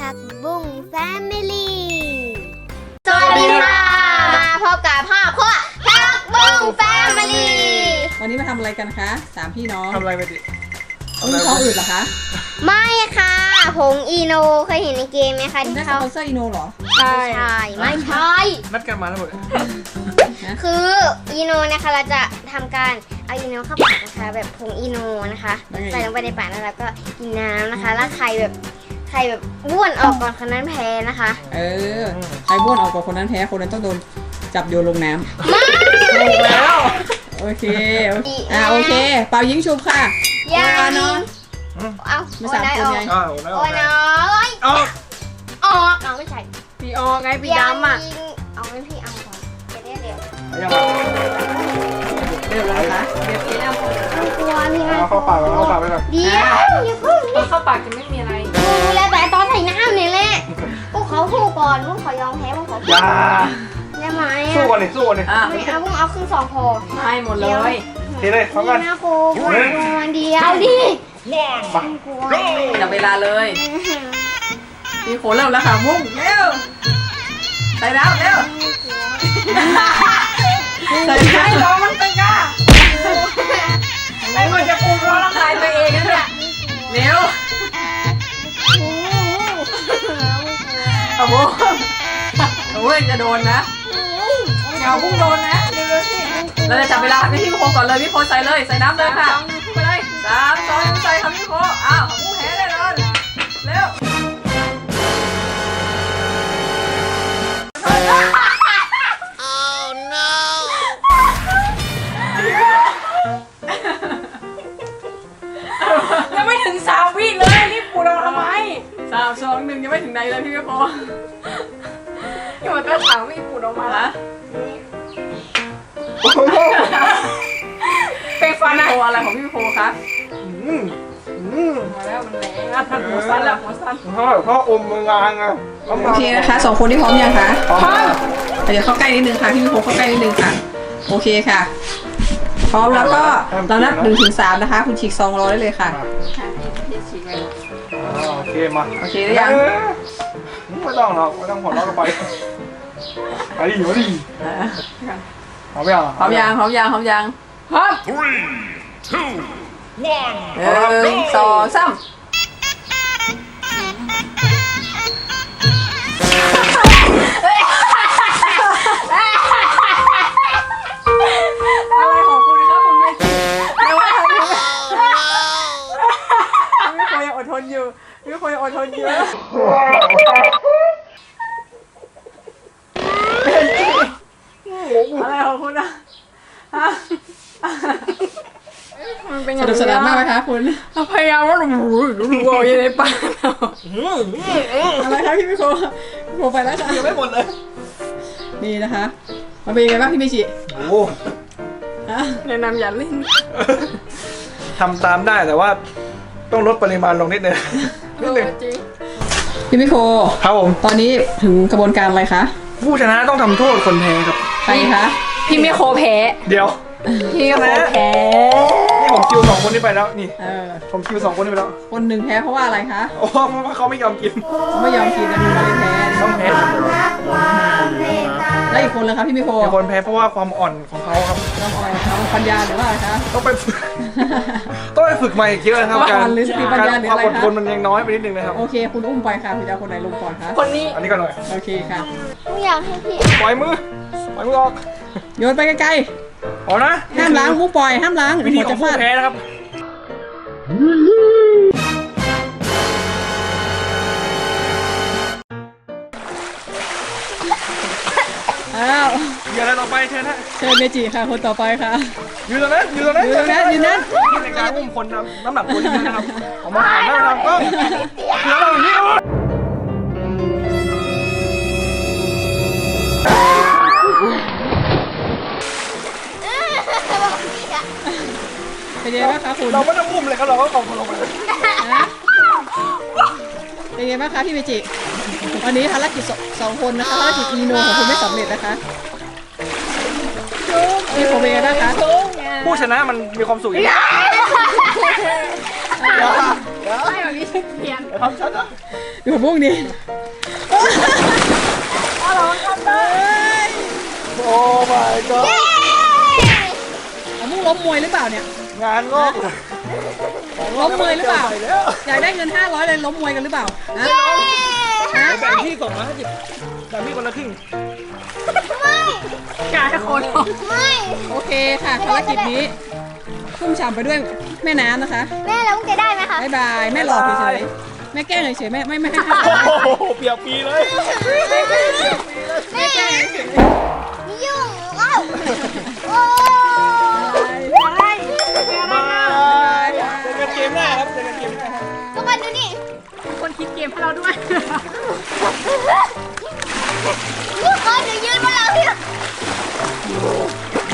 ผักบุ้งแฟมิลี่สวัสดีค่ะมาพบกับพ่อครัวผักบุ้งแฟมิลี่วันนี้มาทำอะไรกันคะสามพี่น้องทำอะไรไปดิท้องอืดเหรอคะไม่ค่ะผงอีโนเคยเห็นในเกมไหมคะที่ได้สเขาปอนเซอร์อีโนเหรอใช่ไม่ใช่นัดกันมาแล้วหมดคืออีโนนะคะเราจะทำการเอาอีโนเข้าปากนะคะแบบผงอีโนนะคะใส่ลงไปในปากแล้วเราก็กินน้ำนะคะแล้วใครแบบบ้วนออกก่อนคนนั้นแพ้นะคะใครบ้วนออกก่อนคนนั้นแพ้คนนั้นต้องโดนจับโยนลงน้ำไม่แล้วโอเคโอเคเป่ายิงชุบค่ะอย่าเนาะเอาไม่สามคนไงอ้าวแล้วโอ้ยน้อยออกเอาไม่ใช่พี่ออกไงพี่ดำอ่ะเอาไม่พี่เอาก่อนเดี๋ยวยังเรียบร้อยคะเรียบร้อยกลัวพี่นะเอาเข้าปากไปก่อนเดี๋ยวอย่าพึ่งตอนเข้าปากจะไม่มีอะไรดูแลแต่ตอนใส่น้ำนี่แหละพวกเขาสู้ก่อนพวกเขายอมแพ้พวกเขาอย่าได้ไหมสู้ก่อนดิสู้ก่อนดิไม่เอาพวกเอาครึ่งสองพอให้หมดเลยทีเลยพร้อมกันนี่นะครูเดียวดิมากลัวจับเวลาเลยพี่โขเริ่มแล้วค่ะมุ่งเร็วใส่แล้วเร็วใส่ให้ร้องมันตึงอ่ะไอ้คนจะปรุงร้องร่างกายตัวเองนะเนี่ยเร็วเอาบุ้งจะโดนนะเอาบุ้งโดนนะเร็วๆสิเราจะจับเวลาพี่โคก่อนเลยพี่โคใส่เลยใส่น้ำเลยค่ะไปเลย3 2 1ใส่ค่ะพี่โคอ้าวบุ้งแพ้แน่นอนเร็วยังไม่ถึง3 วิเลยรีบปูเราทำไม3 2 1ยังไม่ถึงไหนเลยพี่โคอยู่ตั้ง3 วิปูออกมาละเป็นฟันโคอะไรของพี่โคคะมาแล้วมันแรงอ่ะท่านหัวสั้นแล้วหัวสั้นพ่ออมมืองางอ่ะโอเคนะคะ2 คนที่พร้อมยังคะพร้อมเดี๋ยวเข้าใกล้นิดนึงค่ะพี่โคเข้าใกล้นิดนึงค่ะโอเคค่ะพร้อมแล้วก็เรานับ1 ถึง 3นะคะคุณฉีกซองรอได้เลยค่ะโอเคมาโอเคหรือยังไม่ต้องหรอกไม่ต้องหัวเราะกันไปไปดิมาดิพร้อมยังพร้อมยังพร้อมยังพร้อมยังพร้อม 1 2 3อะไรของคุณครับคุณไม่คิดไม่ว่าไม่ควรยังอดทนอยู่ไม่ควรยังอดทนอยู่อะไรของคุณอะสนุกสนานมากไหมคะคุณพยายามว่าดูอยู่ในปากอะไรคะพี่มิโคไปแล้วจ้ะยังไม่หมดเลยนี่นะคะมันเป็นยังไงบ้างพี่มิชิโอ้แนะนำอย่าเล่นทำตามได้แต่ว่าต้องลดปริมาณลงนิดนึงพี่มิโคครับผมตอนนี้ถึงกระบวนการอะไรคะผู้ชนะต้องทำโทษคนแพ้ครับใครคะพี่มิโคแพ้เดี๋ยวพี่มิโคแพ้นี่ผมคิว2 คนนี้ไปแล้วนี่ ผมคิว2 คนนี้ไปแล้วคนหนึ่งแพ้เพราะว่าอะไรคะโอ้เพราะว่าเขาไม่ยอมกินเขาไม่ยอมกินนะดูเลยแพ้ต้องแพ้แล้วอีกคนเลยคะพี่มิโคมีคนแพ้เพราะว่าความอ่อนของเขาครับต้องอะไรเขาปัญญาหรือว่าอะไรคะต้องไปฝึก ต้องไปฝึกใหม่อีกเยอะนะครับความอ่อนหรือสติปัญญาหรืออะไรคะความอดทนมันยังน้อยไปนิดนึงนะครับโอเคคุณอุ้มไปค่ะคุณจะเอาคนไหนลงก่อนคะคนนี้อันนี้ก่อนหน่อยโอเคค่ะไม่อยากให้พี่ปล่อยมือออกโยนไปไกลเอานะๆห้ามล้างมุกปล่อยห้ามล้างวิธีหัวขอจะงผู้ฟาดแพ้นะครับอ้าวอย่าอะไรต่อไปเชิญฮะเชิญเมจิค่ะคนต่อไปค่ะยืนตรงนั้นยืนตรงนั้นยืนตรงนั้นยืนนั้นนี่ในการอุ้มคนน้ำหนักตัวนี้นะครับออกมาหันหน้าทางกล้องแล้วเราอย่างนี้เป็นยังไงบ้างคะคุณเราไม่ต้องอุ้มเลยครับเราก็กองลงไปเลยเป็นยังไงบ้างคะพี่เมจิวันนี้ภารกิจ2 คนนะคะภารกิจอีโนของคุณไม่สำเร็จนะคะพี่ผมเป็นยังไงบ้างคะผู้ชนะมันมีความสุขอย่างนี้ใช่แบบนี้ชื่อเขียนทำฉันนะอยู่พวกนี้อะไรทำได้โอ้ my god เอามุ่งล้มมวยหรือเปล่าเนี่ยงานงอกล้มมวยหรือเปล่าแล้วอยากได้เงิน500เลยล้มมวยกันหรือเปล่าฮะแบ่งที่250แบ่งที่คนละครึ่งกายคนไม่โอเคค่ะภารกิจนี้ชุ่มฉ่ำไปด้วยแม่น้ำนะคะแม่แล้วมึงจะได้ไหมคะบ๊ายบายแม่หลอกเฉยๆแม่แกล้งเฉยๆแม่ไม่ให้โอ้โหเปียกปีเลยแม่แกล้งเฉยนี่ยุ่งว้าวโอ้ๆบายเจอกันเกมหน้าครับเจอกันเกมหน้าครับทุกคนดูนี่คนคิดเกมให้เราด้วยทุกคนดูยื